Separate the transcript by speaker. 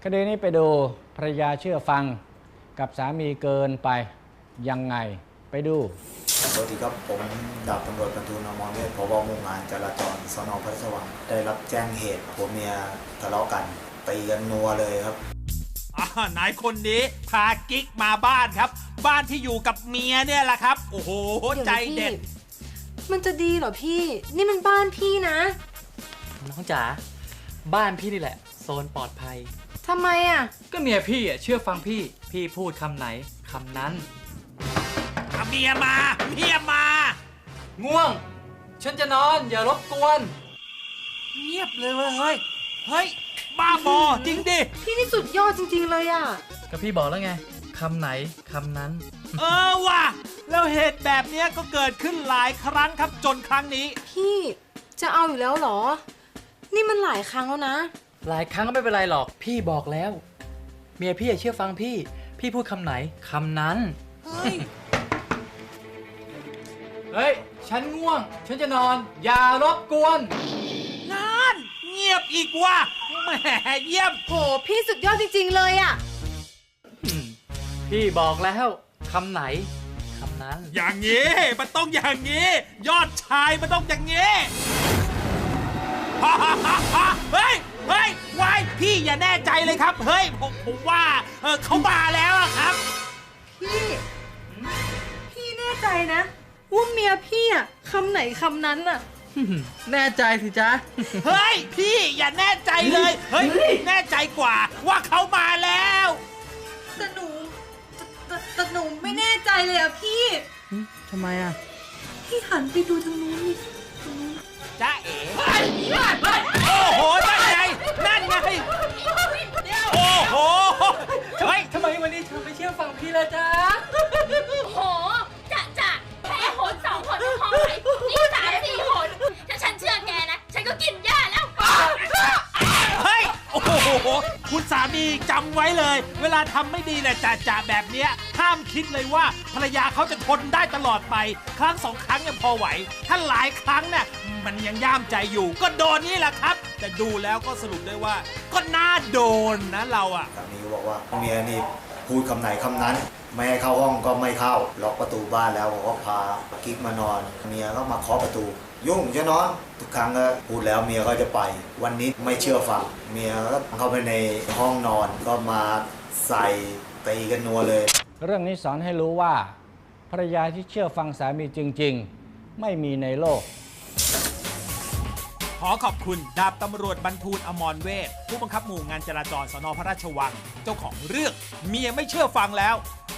Speaker 1: คดีนี้ไปดูภรรยาเชื่อฟังกับสามีเกินไปยังไงไปดู
Speaker 2: สวัสดีครับผมดาบตำรวจบรรทูล อมรเวช ผบ.หมู่งานจราจรสน.พระราชวังได้รับแจ้งเหตุผัวเมียทะเลาะกันตีกันนัวเลยครับ
Speaker 3: นายคนนี้พากิ๊กมาบ้านครับบ้านที่อยู่กับเมียเนี่ยแหละครับโอ้โหใจเด็ด
Speaker 4: มันจะดีเหรอพี่นี่มันบ้านพี่นะ
Speaker 5: น้องจ๋าบ้านพี่นี่แหละโซนปลอดภัย
Speaker 4: ทำไมอ่ะ
Speaker 5: ก็เมียพี่เชื่อฟังพี่พูดคำไหนคำนั้น
Speaker 3: เมียมา
Speaker 5: ง่วงฉันจะนอนอย่ารบกวน
Speaker 3: เงียบเลยเฮ้ยบ้าบอจริงดิ
Speaker 4: พี่นี่สุดยอดจริงๆเลยอ่ะ
Speaker 5: ก็พี่บอกแล้วไงคำไหนคำนั้น
Speaker 3: ว่ะแล้วเหตุแบบนี้ก็เกิดขึ้นหลายครั้งครับจนครั้งนี้
Speaker 4: พี่จะเอาอยู่แล้วเหรอนี่มันหลายครั้งแล้วนะ
Speaker 5: หลายครั้งก็ไม่เป็นไรหรอกพี่บอกแล้วเมียพี่เชื่อฟังพี่พูดคำไหนคำนั้นเฮ้ยฉันง่วงฉันจะนอนอย่ารบกวน
Speaker 3: นั่นเงียบอีกว่ะแหมเยี่ยม
Speaker 4: โหพี่สุดยอดจริงๆเลยอ่ะ
Speaker 5: พี่บอกแล้วคำไหนคำนั้น
Speaker 3: อย่างงี้มันต้องอย่างงี้ยอดชายมันต้องอย่างงี้เฮ้ยวายพี่อย่าแน่ใจเลยครับเฮ้ยผมว่าเขามาแล้วครับ
Speaker 4: พี่แน่ใจนะว่าเมียพี่อ่ะคำไหนคำนั้นอ่ะ
Speaker 5: แน่ใจสิจ๊ะ
Speaker 3: เฮ้ยพี่อย่าแน่ใจเลยเฮ้ยแน่ใจกว่าว่าเขามาแล้ว
Speaker 4: แต่หนูไม่แน่ใจเลยอ่ะพี่
Speaker 5: ทำไมอ่ะ
Speaker 4: พี่หันไปดูทางนู้นนี่
Speaker 3: จ๊ะเอ๋โอ้โหนั่นไงโอ้โห
Speaker 5: เฮ้ยทำไมวันนี้เธอไม่เชื่อฟังพี่เลยจ๊ะ
Speaker 6: โหจะแค่หน2 หนพอไหมนี่3 4 หนถ้าฉันเชื่อแกนะฉันก็กินหญ้าแล้ว
Speaker 3: เฮ้ยโอ้โหคุณสามีจำไว้เลยเวลาทำไม่ดีแหละจ่าแบบเนี้ยห้ามคิดเลยว่าภรรยาเขาจะทนได้ตลอดไปครั้ง2 ครั้งยังพอไหวถ้าหลายครั้งเนี่ยมันยังย่ามใจอยู่ก็โดนนี่แหละครับแต่ดูแล้วก็สรุปได้ว่าก็น่าโดนนะเราอ่ะ
Speaker 2: สามีบอกว่าเมียนี่พูดคำไหนคำนั้นไม่ให้เข้าห้องก็ไม่เข้าล็อกประตูบ้านแล้วผมก็พากิ๊กมานอนเมียก็มาเคาะประตูยุ่งจะนอนทุกครั้งก็พูดแล้วเมียก็จะไปวันนี้ไม่เชื่อฟังเมียก็เข้าไปในห้องนอนก็มาใส่ตีกันนัวเลย
Speaker 1: เรื่องนี้สอนให้รู้ว่าภรรยาที่เชื่อฟังสามีจริงๆไม่มีในโลก
Speaker 3: ขอขอบคุณดาบตำรวจบรรทูล อมรเวชผู้บังคับหมู่งานจราจรสน.พระราชวังเจ้าของเรื่องเมียไม่เชื่อฟังแล้ว